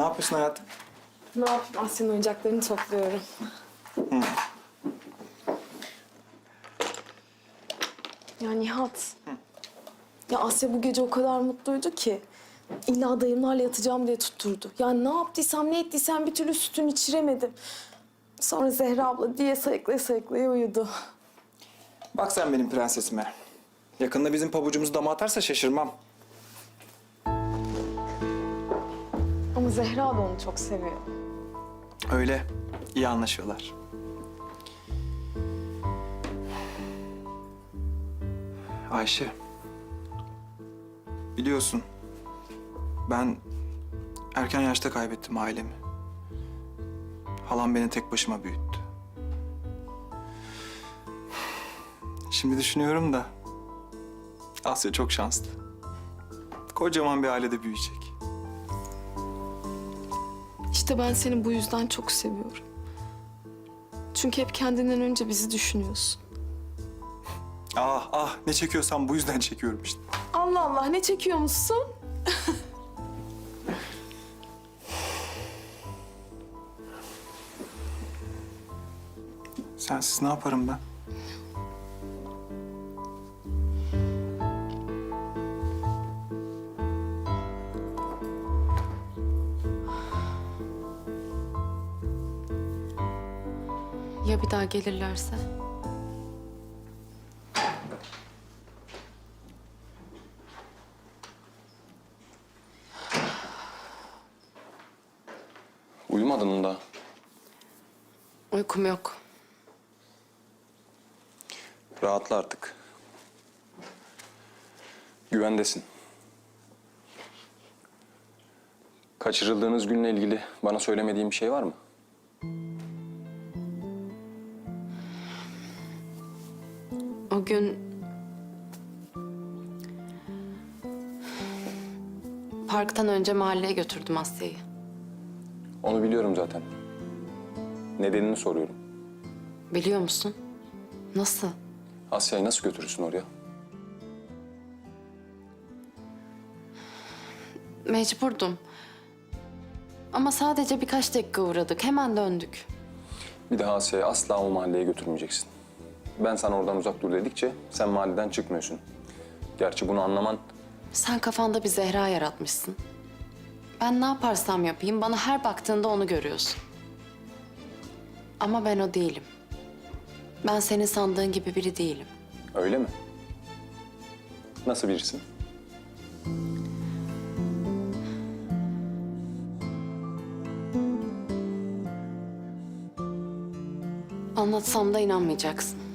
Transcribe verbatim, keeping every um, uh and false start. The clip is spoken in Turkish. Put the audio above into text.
Ne yapıyorsun hayatım? Ne yapayım? Asya'nın oyuncaklarını topluyorum. Hı. Ya Nihat. Hı. Ya Asya bu gece o kadar mutluydu ki. İlla dayımlarla yatacağım diye tutturdu. Yani ne yaptıysam ne ettiysem bir türlü sütünü içiremedim. Sonra Zehra abla diye sayıklaya sayıklaya uyudu. Bak sen benim prensesime. Yakında bizim pabucumuzu dama atarsa şaşırmam. Ama Zehra da onu çok seviyor. Öyle. İyi anlaşıyorlar. Ayşe. Biliyorsun. Ben erken yaşta kaybettim ailemi. Halam beni tek başıma büyüttü. Şimdi düşünüyorum da Asya çok şanslı. Kocaman bir ailede büyüyecek. İşte ben seni bu yüzden çok seviyorum. Çünkü hep kendinden önce bizi düşünüyorsun. Ah ah ne çekiyorsam bu yüzden çekiyorum işte. Allah Allah, ne çekiyormuşsun? Sensiz ne yaparım ben? Ya bir daha gelirlerse? Uyumadın mı daha? Uykum yok. Rahatla artık. Güvendesin. Kaçırıldığınız günle ilgili bana söylemediğin bir şey var mı? O gün... Parktan önce mahalleye götürdüm Asya'yı. Onu biliyorum zaten. Nedenini soruyorum. Biliyor musun? Nasıl? Asya'yı nasıl götürürsün oraya? Mecburdum. Ama sadece birkaç dakika uğradık. Hemen döndük. Bir daha Asya'yı asla o mahalleye götürmeyeceksin. Ben sana oradan uzak dur dedikçe sen mahalleden çıkmıyorsun. Gerçi bunu anlaman... Sen kafanda bir Zehra yaratmışsın. Ben ne yaparsam yapayım bana her baktığında onu görüyorsun. Ama ben o değilim. Ben senin sandığın gibi biri değilim. Öyle mi? Nasıl birisin? Anlatsam da inanmayacaksın.